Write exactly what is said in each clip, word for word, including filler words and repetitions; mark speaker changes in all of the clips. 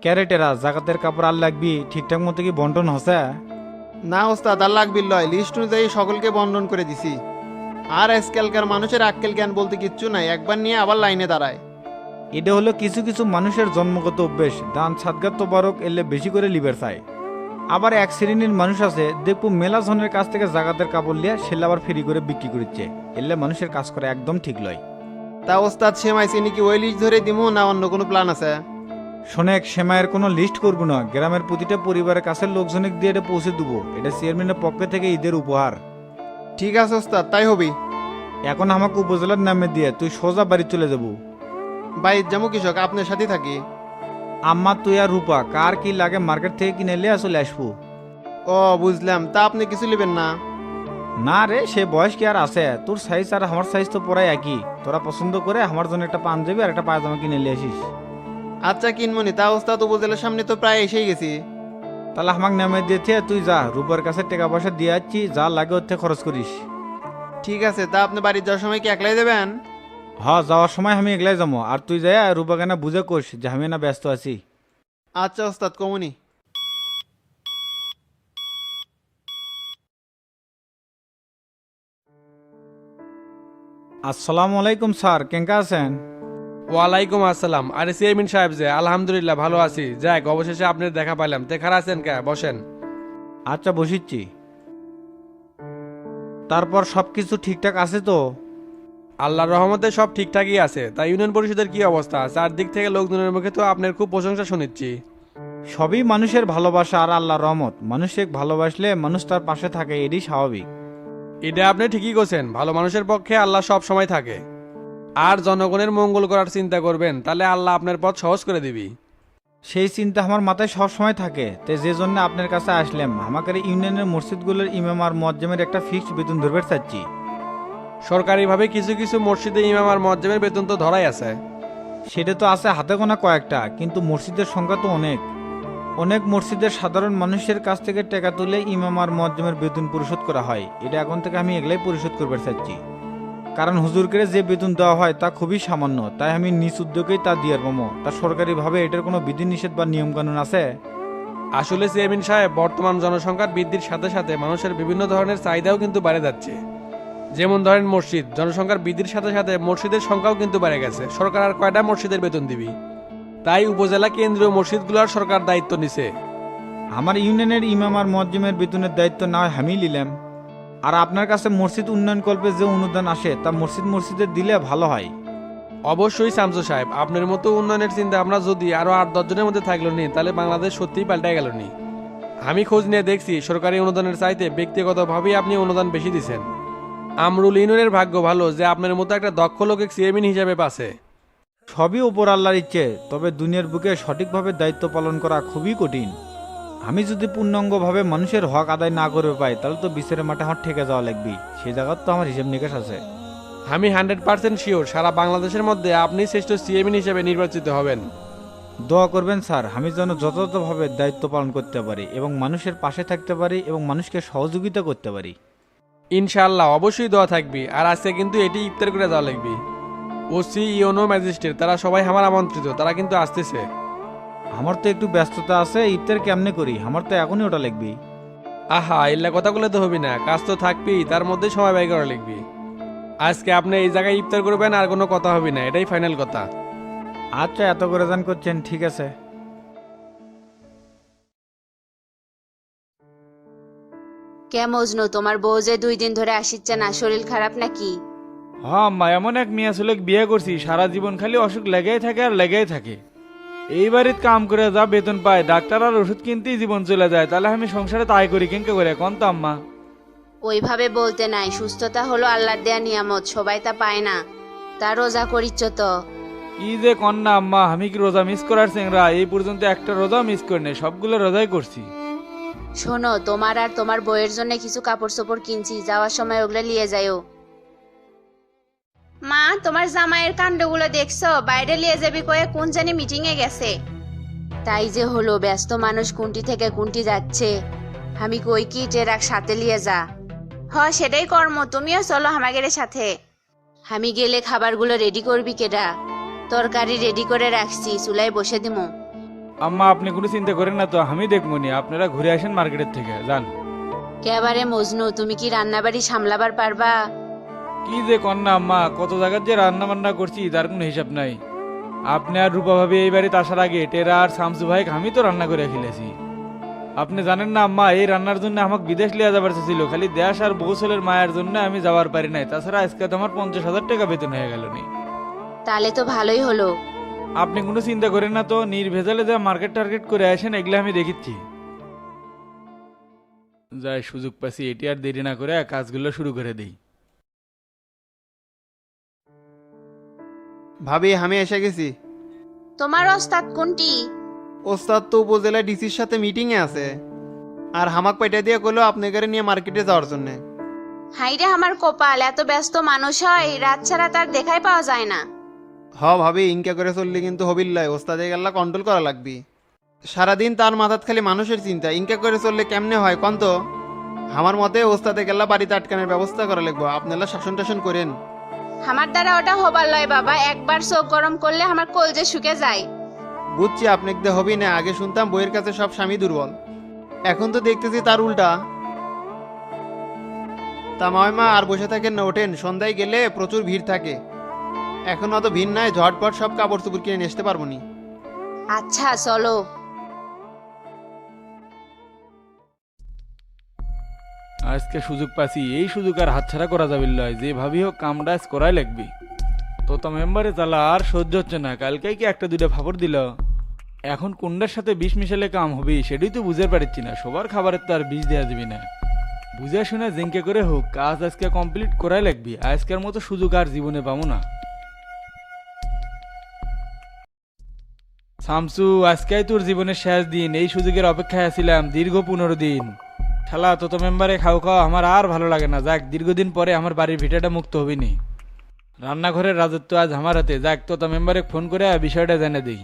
Speaker 1: ক্যারেটেরা জাকাতের কাপড় আর লাগবি ঠিকঠাক মতো কি বন্টন হসে?
Speaker 2: না ওস্তাদ, আর লাগবি লয়, লিস্ট অনুযায়ী সকলকে বন্ধন করে দিছি। আর আজকালকার মানুষের আক্কেল জ্ঞান বলতে কিচ্ছু নাই, একবার নিয়ে আবার লাইনে দাঁড়ায়।
Speaker 1: এটা হলো কিছু কিছু মানুষের জন্মগত অভ্যেস, দান সাদগাত তোবারক এলে বেশি করে লিবার চায়। আবার এক শ্রেণীর মানুষ আছে দেখবো মেলা জনের কাছ থেকে জাকাতের কাপড় লিয়ে সেলে আবার ফ্রি করে বিক্রি করছে, এলে মানুষের কাজ করে একদম ঠিক লয়।
Speaker 2: তা ওস্তাদ সেমাই চিনি কি ওই লিস্ট ধরে দিমু না অন্য কোনো প্ল্যান আছে?
Speaker 1: শোনেক, সেমাইয়ের কোনো লিস্ট করবো না, গ্রামের প্রতিটা পরিবারের কাছে লোকজনকে দিয়ে এটা পৌঁছে দেবো, এটা চেয়ারম্যানের পক্ষ থেকে ঈদের উপহার।
Speaker 2: ঠিক আছে ওস্তাদ, তাই হবি।
Speaker 1: এখন আমাকে উপজেলার নামে দিয়ে তুই সোজা বাড়ি চলে যাবো।
Speaker 2: ভাই জামু কৃষক, আপনার সাথে থাকি।
Speaker 1: আম্মা তুই আর রূপা কার কি লাগে মার্কেট থেকে কিনে এলে আসলে আসবো।
Speaker 2: ও বুঝলাম, তা আপনি কিছু নেবেন না?
Speaker 1: না রে, সে বয়স কি আর আছে? তোর সাইজ আর আমার সাইজ তো পড়াই একই, তোরা পছন্দ করে আমার জন্য একটা পাঞ্জাবি আর একটা পায়জামা কিনে নিয়ে আসিস।
Speaker 2: আচ্ছা কিনমনি, তা ওস্তাদ উপজেলার সামনে তো প্রায় এসেই গেছি।
Speaker 1: তাহলে আমাকে নামে দিয়েছে, তুই যা রূপার কাছে টাকা পয়সা দিয়ে যাচ্ছি, যা লাগে ওর থেকে খরচ করিস।
Speaker 2: ঠিক আছে, তা আপনি বাড়ি যাওয়ার সময় কি একলাই দেবেন?
Speaker 1: হ্যাঁ, যাওয়ার সময় আমি এগলাই যাবো, আর তুই যাই রূপাকে না বুঝে কোস যে আমি না ব্যস্ত আছি।
Speaker 2: আচ্ছা ওস্তাদ, কমুনি।
Speaker 1: আসসালামু আলাইকুম স্যার, কেঙ্কা আছেন?
Speaker 3: ওয়ালাইকুম আসসালাম। আরে চেয়ারম্যান সাহেব, যে আলহামদুলিল্লাহ ভালো আছি। যাক, অবশেষে আপনার দেখা পাইলাম। তে খারাপ আছেন কে? বসেন।
Speaker 1: আচ্ছা বসিচ্ছি। তারপর সব কিছু ঠিকঠাক আছে তো?
Speaker 3: আল্লাহর রহমতে সব ঠিকঠাকই আছে। তা ইউনিয়ন পরিষদের কি অবস্থা? চারদিক থেকে লোকজনের মুখে তো আপনার খুব প্রশংসা শুনেছি।
Speaker 1: সবই মানুষের ভালোবাসা আর আল্লাহর রহমত, মানুষকে ভালোবাসলে মানুষ তার পাশে থাকে, এটাই স্বাভাবিক।
Speaker 3: এটা আপনি ঠিকই করছেন, ভালো মানুষের পক্ষে আল্লাহ সব সময় থাকে। আর জনগণের মঙ্গল করার চিন্তা করবেন, তাহলে আল্লাহ আপনার পথ সহজ করে দিবি।
Speaker 1: সেই চিন্তা আমার মাথায় সব সময় থাকে, তাই যে জন্য আপনার কাছে আসলাম। আমাদের ইউনিয়নের মসজিদগুলোর ইমাম আর মুয়াজ্জিমের একটা ফিক্সড বেতন ধরবে চাচ্ছি।
Speaker 3: সরকারিভাবে কিছু কিছু মসজিদে ইমাম আর মুয়াজ্জিমের বেতন তো ধরাই আছে।
Speaker 1: সেটা তো আছে হাতে গোনা কয়েকটা, কিন্তু মসজিদের সংখ্যা তো অনেক। অনেক মসজিদের সাধারণ মানুষের কাছ থেকে টাকা তুলে ইমাম আর মুয়াজ্জিমের বেতন পরিশোধ করা হয়, এটা এখন থেকে আমি এগুলাই পরিশোধ করবে চাচ্ছি। কারণ হুজুরকে যে বেতন দেওয়া হয় তা খুবই সামান্য, তাই আমি নিজ উদ্যোগেই তা দিয়ে পাবো। তা সরকারিভাবে এটার কোনো বিধিনিষেধ বা নিয়মকানুন আছে?
Speaker 3: আসলে চেয়ারম্যান সাহেব, বর্তমান জনসংখ্যার বৃদ্ধির সাথে সাথে মানুষের বিভিন্ন ধরনের চাহিদাও কিন্তু বেড়ে যাচ্ছে। যেমন ধরেন মসজিদ, জনসংখ্যার বৃদ্ধির সাথে সাথে মসজিদের সংখ্যাও কিন্তু বেড়ে গেছে। সরকার আর কয়টা মসজিদের বেতন দিবি? তাই উপজেলা কেন্দ্রীয় মসজিদগুলোর সরকার দায়িত্ব নিছে।
Speaker 1: আমার ইউনিয়নের ইমাম আর মুয়াজ্জিমের বেতনের দায়িত্ব না হয় আমি নিলাম। আর আপনার কাছে মসজিদ উন্নয়ন কল্পে যে অনুদান আসে তা মসজিদ মসজিদে দিলে ভালো হয়।
Speaker 3: অবশ্যই শামসু সাহেব, আপনার মতো উন্নয়নের চিন্তা আমরা যদি আরো আট দশ জনের মধ্যে থাকলো নি, তাহলে বাংলাদেশ সত্যিই পাল্টে গেল নি। আমি খোঁজ নিয়ে দেখছি, সরকারি অনুদানের চাইতে ব্যক্তিগতভাবেই আপনি অনুদান বেশি দিচ্ছেন। আমরুল ইউনিয়নের ভাগ্য ভালো যে আপনার মতো একটা দক্ষ লোকে চেয়ারম্যান হিসেবে পাচ্ছে।
Speaker 1: সবই ওপর আল্লাহর ইচ্ছে, তবে দুনিয়ার বুকে সঠিকভাবে দায়িত্ব পালন করা খুবই কঠিন। আমি যদি পূর্ণাঙ্গভাবে মানুষের হক আদায় না করবে পাই, তাহলে তো বিচারের মাঠে আমার ঠেকে যাওয়া লাগবে। সেই জায়গার তো আমার হিসেব নিকাশ আছে।
Speaker 3: আমি হান্ড্রেড পার্সেন্ট শিওর সারা বাংলাদেশের মধ্যে আপনি শ্রেষ্ঠ চেয়ারম্যান হিসেবে নির্বাচিত হবেন।
Speaker 1: দোয়া করবেন স্যার, আমি যেন যথাযথভাবে দায়িত্ব পালন করতে পারি এবং মানুষের পাশে থাকতে পারি এবং মানুষকে সহযোগিতা করতে পারি।
Speaker 3: ইনশাআল্লাহ, অবশ্যই দোয়া থাকবি। আর আজকে কিন্তু এটি ইফতার করে দেওয়া লাগবে। ওসি, ইওনো, ম্যাজিস্ট্রেট তারা সবাই আমার আমন্ত্রিত, তারা কিন্তু আসতেছে।
Speaker 1: আমার তো একটু ব্যস্ততা আছে, ইফতার কেমনে করি? আমার তো এখনই ওটা লিখবি।
Speaker 3: আহা, এল্লা কথা বলে তো হবি না, কাজ তো থাকবি, তার মধ্যে সময় ব্যয় করা লিখবি। আজকে আপনি এই জায়গায় ইফতার করবেন, আর কোনো কথা হবে না, এটাই ফাইনাল কথা।
Speaker 1: আচ্ছা, এত করে যান করছেন, ঠিক আছে।
Speaker 4: কে মজনু, তোমার বউ যে দুই দিন ধরে আসিচ্ছে না, শরীর খারাপ নাকি?
Speaker 5: হ্যাঁ মা, এমন এক মেয়ে ছেলেক বিয়ে করছি, সারা জীবন খালি অসুখ লেগেই থাকে আর লেগেই থাকে। এই বাড়িতে কাম করে যা বেতন পায়, ডাক্তার আর ওষুধ কিনতেই জীবন চলে যায়, তাহলে আমি সংসারে তাই করি কেঙ্কে করে কন তো আম্মা?
Speaker 4: ওইভাবে বলতে নাই, সুস্থতা হলো আল্লাহর দেয়া নিয়ামত, সবাই তা পায় না। তা রোজা করিচ্ছ তো?
Speaker 5: কি যে কন না আম্মা, আমি কি রোজা মিস করার চেংরা? এই পর্যন্ত একটা রোজা মিস করি নাই, সবগুলো রোজাই করছি।
Speaker 4: শোনো, তোমার আর তোমার বউয়ের জন্য কিছু কাপড় চোপড় কিনছি, যাওয়ার সময় ওগুলো নিয়ে যাইও। মা, তোমার জামাইয়ের কাণ্ডগুলো দেখছো? বাইরে নিয়ে যাবি কয়ে কোন জানি মিটিং এ গেছে। তাই যে হলো, ব্যস্ত মানুষ কুন্টি থেকে কুন্টি যাচ্ছে। আমি কই কি টেরাক সাথে নিয়ে যা। হ, সেটাই কর্ম, তুমিও চলো আমাদের সাথে। আমি গেলে খাবারগুলো রেডি করবি কেডা? তরকারি রেডি করে রাখছি, চুলায় বসে দিমু।
Speaker 5: আম্মা আপনি কোনো চিন্তা করেন না তো, আমি দেখবো নি, আপনারা ঘুরে আসেন মার্কেটের থেকে যান।
Speaker 4: কেবারে মজনু, তুমি কি রান্নাবাড়ি সামলাবার পারবা?
Speaker 5: কি যে কন্যা আম্মা, কত জায়গার যে রান্না বান্না করছি তার কোনো হিসাব নাই। আপনি আর রূপা ভাবি এই বাড়িতে আসার আগে টেরা আর শামসু ভাই আমি তো রান্না করে খেলেছি। আপনি জানেন না আম্মা, এই রান্নার জন্য আমাকে বিদেশ লিয়ে যাবার ছিল, খালি দেশ আর বৌসলের মায়ের জন্য আমি যাওয়ার পারি নাই। তাছাড়া আজকে তো আমার পঞ্চাশ হাজার টাকা বেতন হয়ে গেল নি।
Speaker 4: তাহলে তো ভালোই হলো।
Speaker 5: আপনি কোনো চিন্তা করেন না তো, নির্ভেজালে যা মার্কেট টার্গেট করে আসেন এগুলো আমি দেখিচ্ছি। যাই সুযোগ পাচ্ছি, এটি আর দেরি না করে কাজগুলো শুরু করে দিই।
Speaker 2: ভাবি আমি এসে গেছি।
Speaker 4: তোমার ওস্তাদ কোনটি?
Speaker 2: ওস্তাদ তো উপজেলা ডিসির সাথে মিটিংয়ে আছে, আর হামাক পাইটা দিয়ে কইলো আপনাদের নিয়ে মার্কেটে যাওয়ার জন্য।
Speaker 4: হাইরে আমার কপাল, এত ব্যস্ত মানুষ হয় রাত ছাড়া তার দেখাই পাওয়া যায় না।
Speaker 2: হ ভাবি, ইনকা করে চললে কিন্তু হবিল্লাই, ওস্তাদে গেল্লা কন্ট্রোল করা লাগবি। সারাদিন তার মাথাত খালি মানুষের চিন্তা, ইনকা করে চললে কেমনে হয় কন তো? আমার মতে ওস্তাদে গেল্লা বাড়িতে আটকানোর ব্যবস্থা করা লাগবো, আপনারা শাসন টাসন করেন।
Speaker 4: আমার দ্বারা ওটা হবার লয় বাবা, একবার চোখ গরম করলে আমার কলজে শুকে যায়।
Speaker 2: বুঝছি আপনাকে হবি না, আগে শুনতাম বইয়ের কাছে সব স্বামী দুর্বল, এখন তো দেখতেছি তার উল্টা। তা মা আর বসে থাকেন না, ওঠেন, সন্ধ্যায় গেলে প্রচুর ভিড় থাকে। এখন অত ভিড় নাই, ঝটপট সব কাপড় চোপড় কিনে নিয়ে আসতে পারবো নি।
Speaker 4: আচ্ছা চলো।
Speaker 5: আজকে সুযোগ পাচ্ছি, এই সুযোগ আর হাতছাড়া করা যাবে লয়, যে ভাবি হোক কামটা আজ করাই লাগবে। তো তো মেম্বারে চালা আর সহ্য হচ্ছে না, কালকে কি একটা দুইটা ফাপড় দিল। এখন কোনটার সাথে বিষ মিশালে কাম হবে সেটাই তো বুঝতে পারছি না, সবার খাবারের তো আর বিষ দেওয়া যাবে না। বুঝে শুনে জিঙ্কে করে হোক কাজ আজকে কমপ্লিট করাই লাগবে, আজকের মতো সুযোগ আর জীবনে পাবো না। শামসু, আজকেই তোর জীবনের শেষ দিন, এই সুযোগের অপেক্ষায় আছিলাম দীর্ঘ পনেরো দিন। শালা তো তো মেম্বারে খাও খাও আমার আর ভালো লাগে না, যাক দীর্ঘদিন পরে আমার বাড়ির ভিটাটা মুক্ত হবিনি। রান্নাঘরের রাজত্ব আজ আমার হাতে, যাক তো তো মেম্বারে ফোন করে বিষয়টা জেনে দিই।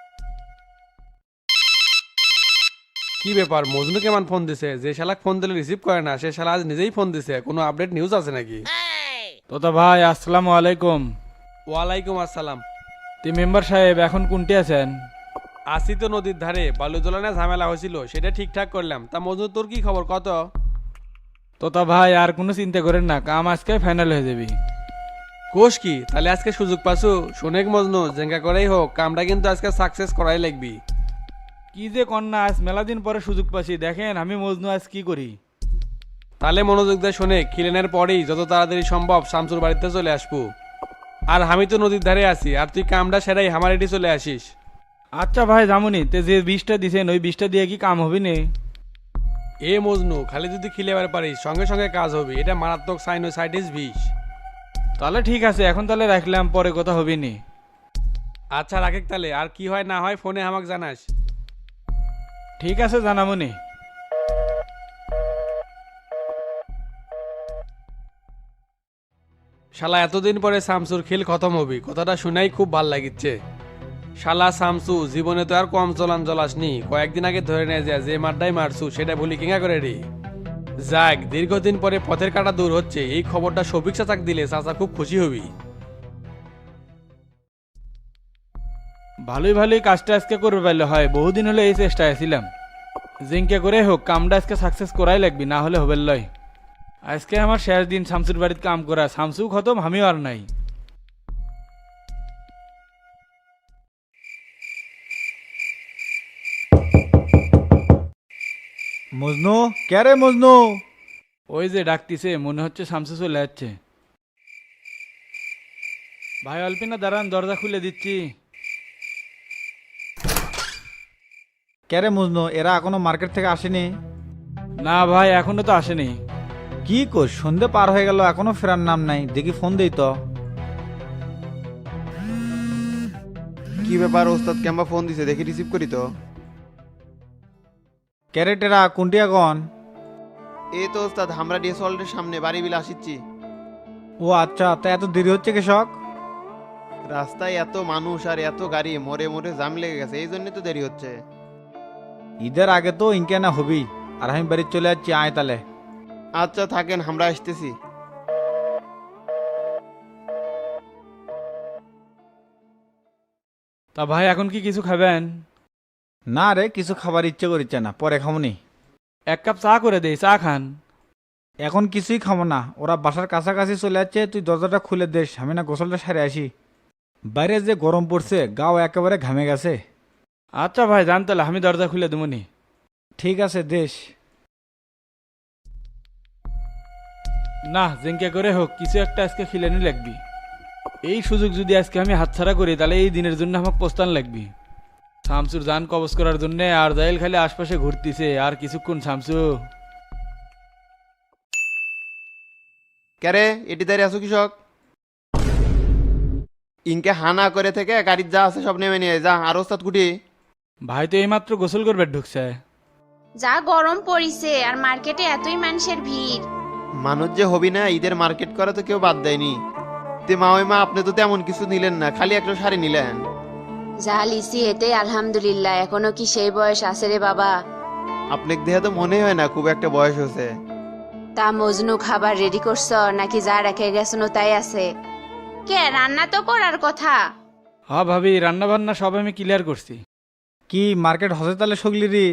Speaker 3: কি ব্যাপার, মজনু কেমন ফোন দিছে? যে শালাক ফোন দিলে রিসিভ করে না, সে শালা আজ নিজেই ফোন দিছে। কোনো আপডেট নিউজ আছে নাকি?
Speaker 5: তোতা ভাই আসসালামু আলাইকুম।
Speaker 3: ওয়ালাইকুম আসসালাম।
Speaker 5: তে মেম্বার সাহেব এখন কোনটি আছেন?
Speaker 3: আসি তো নদীর ধারে, বালু জলানে ঝামেলা হয়েছিল, সেটা ঠিকঠাক করলাম। তা মজনু তোর কি খবর কত?
Speaker 5: তোতা ভাই আর কোনো চিন্তা করেন না, কাম আজকে ফাইনাল হয়ে যাবে।
Speaker 3: কোষ কি, তাহলে আজকে সুযোগ পাসু? শোনেক মজনু, জেঙ্গা করেই হোক কামটা কিন্তু আজকে সাকসেস করাই লাগবি।
Speaker 5: কি যে কন্যা, আজ মেলা দিন পরে সুযোগ পাচ্ছি, দেখেন আমি মজনু আজ কি করি।
Speaker 3: তাহলে মনোযোগ দিয়ে শোনে, খিলেনের পরেই যত তাড়াতাড়ি সম্ভব শামসুর বাড়িতে চলে আসবো। আর আমি তো নদীর ধারে আছি, আর তুই কামটা সেরাই আমার এটি চলে আসিস।
Speaker 5: আচ্ছা ভাই জামুনি, তে যে বিষটা দিছেন ওই বিষটা দিয়ে কি কাম হবে নে?
Speaker 3: এ মজনু, খালি যদি খিলেবার পারিস সঙ্গে সঙ্গে কাজ হবে, এটা মারাত্মক সাইনোসাইটিস বিষ।
Speaker 5: তাহলে ঠিক আছে, এখন তাহলে রাখলাম, পরে কথা হবে নি।
Speaker 3: আচ্ছা রাখেক তাহলে, আর কি হয় না হয় ফোনে আমাকে জানাস।
Speaker 5: ঠিক আছে জানামনি।
Speaker 3: শালা এতদিন পরে শামসুর খেল খতম হবি, কথাটা শুনেই খুব ভাল লাগিচ্ছে। শালা শামসু, জীবনে তো আর কম চলান চলাসনি, কয়েকদিন আগে ধরে নিয়ে যায় যে মারটাই মারছু সেটা ভুলি কিঙ্গা করে রে। যাক, দীর্ঘদিন পরে পথের কাটা দূর হচ্ছে, এই খবরটা শফিক চাচাক দিলে চাচা খুব খুশি হবি।
Speaker 5: ভালোই ভালোই কাজটা আজকে করবে পারলে হয়, বহুদিন হলে এই চেষ্টায় ছিলাম। জিঙ্কে করে হোক কামটা আজকে সাকসেস করাই লাগবি, না হলে হবে লয়। আজকে আমার শেষ দিন শামসুর বাড়িতে কাম করা, শামসু খতম আমিও আর নাই।
Speaker 1: মজনু, কে রে মজনু?
Speaker 5: ওই যে ডাকতিছে, মনে হচ্ছে শামসু চলে যাচ্ছে। ভাই অল্পিনা দাঁড়ান, দরজা খুলে দিচ্ছি।
Speaker 1: কে রে মজনু, এরা এখনো মার্কেট থেকে আসেনি?
Speaker 5: না ভাই এখনো তো আসেনি।
Speaker 1: কি কর, সন্ধে পার হয়ে গেল এখনো ফেরার নাম নাই, দেখি ফোন দেই তো।
Speaker 2: কি ব্যাপার, ওস্তাদ কেমবা ফোন দিছে, দেখি রিসিভ করি তো।
Speaker 1: ক্যারেটেরা কোনটি এখন?
Speaker 2: এই তো ওস্তাদ, আমরা ডিএস হলের সামনে বাড়ি বিলে আসিচ্ছি।
Speaker 1: ও আচ্ছা, তা এত দেরি হচ্ছে কৃষক?
Speaker 2: রাস্তায় এত মানুষ আর এত গাড়ি, মোড়ে মোড়ে জাম লেগে গেছে, এই জন্যই তো দেরি হচ্ছে।
Speaker 1: ঈদের আগে তো ইনকে না হবি, আর আমি বাড়ি চলে যাচ্ছি, আয় তালে।
Speaker 2: আচ্ছা থাকেন, আমরা আসতেছি।
Speaker 5: তা ভাই এখন কি কিছু খাবেন?
Speaker 1: না রে, কিছু খাবার ইচ্ছে করিচ্ছে না, পরে খামনি।
Speaker 5: এক কাপ চা করে দেই, চা খান।
Speaker 1: এখন কিছুই খামো না, ওরা বাসার কাছাকাছি চলে যাচ্ছে, তুই দরজাটা খুলে দেস, আমি না গোসলটা সারে আসি। বাইরে যে গরম পড়ছে, গাও একেবারে ঘামে গেছে।
Speaker 5: আচ্ছা ভাই, জান তাহলে আমি দরজা খুলে দেবনি।
Speaker 1: ঠিক আছে, দেশ।
Speaker 5: না, জেঙ্কে করে হোক কিছু একটা আজকে খিলানি লাগবি। এই সুযোগ যদি আজকে আমি হাতছাড়া করি তাহলে এই দিনের জন্য আমাকে পোস্তান লাগবি। শামসুর জান কবজ করার জন্য আর জাইল খালি আশপাশে ঘুরতিছে, আর কিছুক্ষণ শামসু।
Speaker 2: ক্যারে এটি দাঁড়িয়ে আছো কৃষক? ইনকে হানা করে থেকে গাড়ির যা আছে সব নেমে নিয়ে যা। আর ওস্তাদ কুটি?
Speaker 5: ভাই তো এইমাত্র গোসল করবে ঢুকছে।
Speaker 4: যা গরম পড়িছে, আর মার্কেটে এতই মানুষের ভিড়।
Speaker 2: মানুষ যে হবি না, ঈদের মার্কেট করা তো কেউ বাদ দেয়নি। তে মা ওই মা আপনি তো তেমন কিছু নিলেন না, খালি একটা শাড়ি নিলেন।
Speaker 4: যা লিসি এতে আলহামদুলিল্লাহ, এখনো কি সেই বয়স আছে রে বাবা?
Speaker 2: আপনাকে দেখে তো মনে হয় না খুব একটা বয়স হয়েছে।
Speaker 4: তা মজনু খাবার রেডি করছ নাকি যা রেখে গেছনো তাই আছে? কে রান্না তো করার কথা।
Speaker 5: হ্যাঁ ভাবি, রান্না বান্না সব আমি ক্লিয়ার করছি।
Speaker 1: কি মার্কেট হসে তাহলে সগলি রে?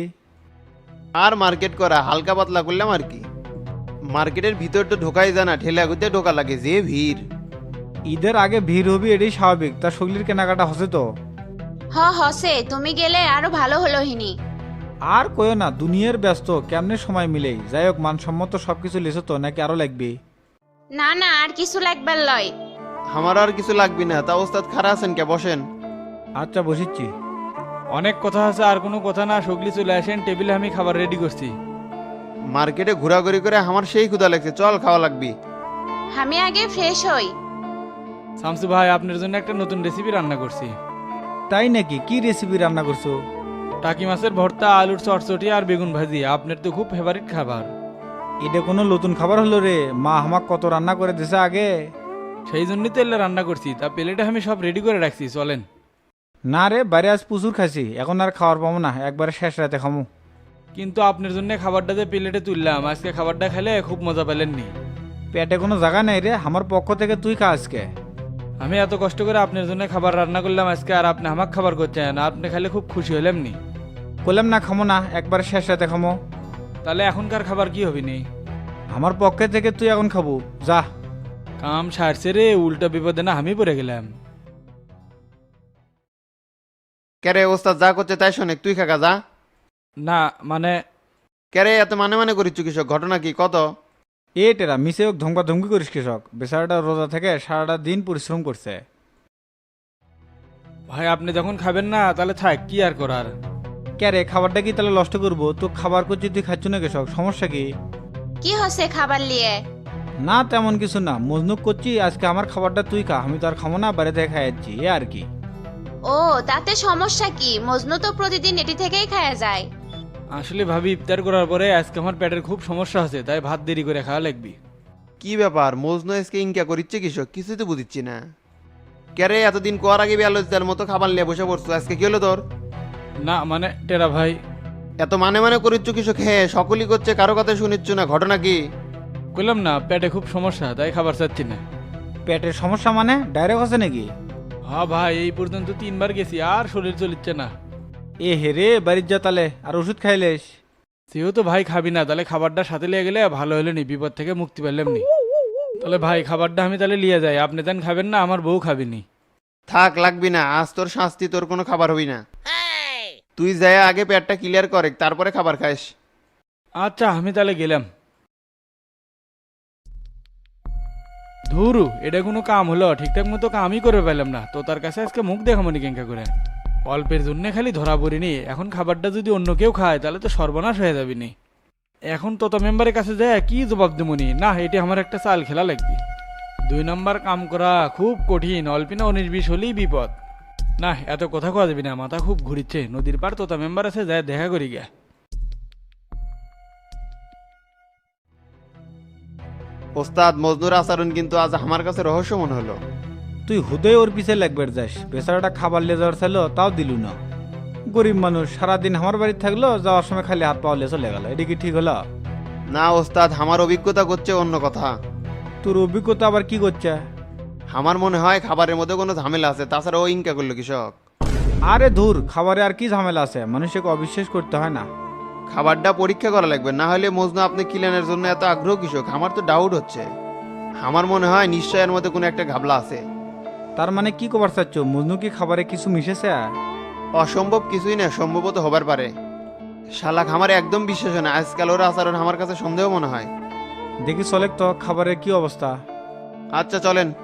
Speaker 2: আর মার্কেট করা হালকা পাতলা করলাম আর কি। মার্কেটের ভিতর তো ঢোকাই যায় না, ঠেলা গুতে ঢোকা লাগে, যে ভিড়।
Speaker 1: ঈদের আগে ভিড় হবি, এটাই স্বাভাবিক, তার সগলির কেনাকাটা হসে তো।
Speaker 4: হ হসে, তুমি গেলে আরো ভালো হলো হিনি।
Speaker 1: আর কয়ও না, দুনিয়ার ব্যস্ত, কেমনে সময় মিলে। যাই হোক, মানসম্মত সবকিছু লেছো তো নাকি আরো লাগবে?
Speaker 4: না না, আর কিছু লাগবার লয়।
Speaker 2: আমার আর কিছু লাগবে না। তা ওস্তাদ খারা আছেন কে? বসেন।
Speaker 1: আচ্ছা, বসিচ্ছি।
Speaker 5: অনেক কথা আছে, আর কোনো কথা না, সগলি চলে আসেন, টেবিলে আমি খাবার রেডি করছি।
Speaker 2: মার্কেটে ঘোরাঘুরি করে আমার সেই ক্ষুধা লাগছে, চল খাওয়া লাগবি।
Speaker 4: আমি আগে ফ্রেশ হই।
Speaker 5: শামসু ভাই, আপনার জন্য একটা নতুন রেসিপি রান্না করছি।
Speaker 1: তাই নাকি? কি রেসিপি রান্না করছো?
Speaker 5: টাকি মাছের ভর্তা, আলুর চটচটি আর বেগুন ভাজি, আপনার তো খুব ফেভারিট খাবার।
Speaker 1: এটা কোনো নতুন খাবার হলো রে? মা আমাক কত রান্না করে দিছে আগে।
Speaker 5: সেই জন্যই তো এলে রান্না করছি। তা প্লেটে আমি সব রেডি করে রাখছি, চলেন।
Speaker 1: না রে, বাইরে আজ প্রচুর খাইছি, এখন আর খাওয়ার পাবো না, একবারে শেষ রাতে খামু।
Speaker 5: কিন্তু আপনার জন্য খাবারটা যে প্লেটে তুললাম, আজকে খাবারটা খেলে খুব মজা পেলেননি।
Speaker 1: পেটে কোনো জায়গা নেই রে, আমার পক্ষ থেকে তুই খা আজকে।
Speaker 5: আমি এত কষ্ট করে আপনার জন্য খাবার রান্না করলাম আজকে, আর আপনি আমাকে খাবার করছেন, আপনি খাইলে খুব খুশি হইলাম নি।
Speaker 1: বললাম না খামো না, একবারে শেষ রাতে খামো।
Speaker 5: তাহলে এখনকার খাবার কি হবি নি?
Speaker 1: আমার পক্ষে থেকে তুই এখন খাবো, যা।
Speaker 5: কাম সারছে রে, উল্টা বিপদে না আমি পড়ে গেলাম।
Speaker 2: ক্যারে ওস্তাদ যা করছে তাই শোনে, তুই খাকা যা।
Speaker 5: না মানে,
Speaker 2: ক্যারে এত মানে মানে করিচ্ছ কৃষক, ঘটনা কি কত?
Speaker 1: এ টেরা মিশে হোক ধমকা ধমকি করিস কৃষক, বেচারাটা রোজা থেকে সারাটা দিন পরিশ্রম করছে।
Speaker 5: ভাই আপনি যখন খাবেন না তাহলে থাক, কি আর করার।
Speaker 1: কে রে, খাবারটা কি তাহলে নষ্ট করবো? তো খাবার করছি, তুই খাচ্ছ না কৃষক, সমস্যা কি?
Speaker 4: কি হচ্ছে খাবার লিয়ে?
Speaker 1: না তেমন কিছু না, মজনুক করছি, আজকে আমার খাবারটা তুই খা, আমি তো আর খাবো না, বাইরে থেকে খাই যাচ্ছি, এ আর কি।
Speaker 4: ও তাতে সমস্যা কি? মজনু তো প্রতিদিন এটি থেকেই খাওয়া যায়।
Speaker 5: আসলে ভাবি, ইফতার করার পরে আজকে আমার পেটের খুব সমস্যা আছে, তাই ভাত দেরি করে খাওয়া লাগবে।
Speaker 2: কি ব্যাপার, মজনু আজকে ইনকা করিচ্ছে কৃষক? কিছুই তো বুঝিচ্ছি না। ক্যারে এতদিন কোয়ার আগে বেয়ালোচদার মতো খাবার নিয়ে বসে পড়ছো, আজকে কি হলো তোর?
Speaker 5: না মানে টেরা ভাই,
Speaker 2: এত মানে মানে করিচ্ছ কৃষক? হ্যাঁ সকলই করছে, কারো কথা শুনিচ্ছ না, ঘটনা কি?
Speaker 5: বললাম না পেটে খুব সমস্যা, তাই খাবার চাচ্ছি না।
Speaker 1: পেটের সমস্যা মানে ডাইরেক্ট আছে নাকি?
Speaker 5: হ্যাঁ ভাই, এই পর্যন্ত তিনবার গেছি, আর শরীর চলিচ্ছে না।
Speaker 1: এ হে রে, বাড়ির যা তালে, আর ওষুধ খাইলেস?
Speaker 5: যেহেতু ভাই খাবি না, তাহলে খাবারটা সাথে লিয়ে গেলে ভালো হলে নি, বিপদ থেকে মুক্তি পেলাম নি। তাহলে ভাই খাবারটা আমি তাহলে লিয়ে যাই, আপনি দেন খাবেন না, আমার বউ খাবিনি।
Speaker 2: থাক লাগবি না, আজ তোর শাস্তি, তোর কোনো খাবার হবি না। তুই যায় আগে পেটটা ক্লিয়ার করে তারপরে খাবার খাইস।
Speaker 5: আচ্ছা আমি তাহলে গেলাম। ধুরু, এটা কোনো কাম হলো? ঠিকঠাক মতো কামই করে পেলাম না, তো তার কাছে আজকে মুখ দেখাবো নি কেঙ্কা করে। অল্পের জন্য খালি ধরা পড়িনি, এখন খাবারটা যদি অন্য কেউ খায় তাহলে তো সর্বনাশ হয়ে যাবি নি। এখন তোতা মেম্বারের কাছে যায় কি জবাব দেবনি? না, এটি আমার একটা চাল খেলা লাগবে। দুই নম্বর কাম করা খুব কঠিন, অল্পিনা উনিশ বিশ হলেই বিপদ। না, এত কথা কওয়া যাবি না, মাথা খুব ঘুরিচ্ছে। নদীর পার তোতা মেম্বার আছে, যায় দেখা করি গা।
Speaker 2: ওস্তাদ মজনুর আচরণ কিন্তু আজ আমার কাছে রহস্য মনে হলো।
Speaker 1: তুই হুদয় ওর পিছে লাগবে যাস, বেচারাটা খাবার লিয়ে যাওয়ার চাইলো, তাও দিলু না। গরিব মানুষ সারাদিন আমার বাড়ি থাকলো, যাওয়ার সময় খালি হাত পাওয়া লিয়ে চলে গেল, এটা কি ঠিক হলো?
Speaker 2: না ওস্তাদ, আমার অভিজ্ঞতা করছে অন্য কথা।
Speaker 1: তোর অভিজ্ঞতা আবার কি করছে?
Speaker 2: আমার মনে হয় খাবারের মধ্যে কোনো ঝামেলা আছে, তাছাড়া ও ইনকা করলো কৃষক।
Speaker 1: আরে ধুর, খাবারে আর কি ঝামেলা আছে, মানুষকে অবিশ্বাস করতে হয় না।
Speaker 2: খাবারটা পরীক্ষা করা লাগবে, না হলে মজনু আপনি কিলানের জন্য এত আগ্রহ কৃষক আমার তো ডাউট হচ্ছে। আমার মনে হয় নিশ্চয় এর মধ্যে কোনো একটা ঘাবলা আছে।
Speaker 1: তার মানে কি কবার চাচ্ছ, মজনু কি খাবারে কিছু মিশেছে?
Speaker 2: অসম্ভব কিছুই না, সম্ভবত হবার পারে। শালা খামারে একদম বিশ্বাস হয় না, আজকাল ওর আচরণ আমার কাছে সন্দেহ মনে হয়।
Speaker 1: দেখি চলেক তো খাবারের কি অবস্থা।
Speaker 2: আচ্ছা চলেন।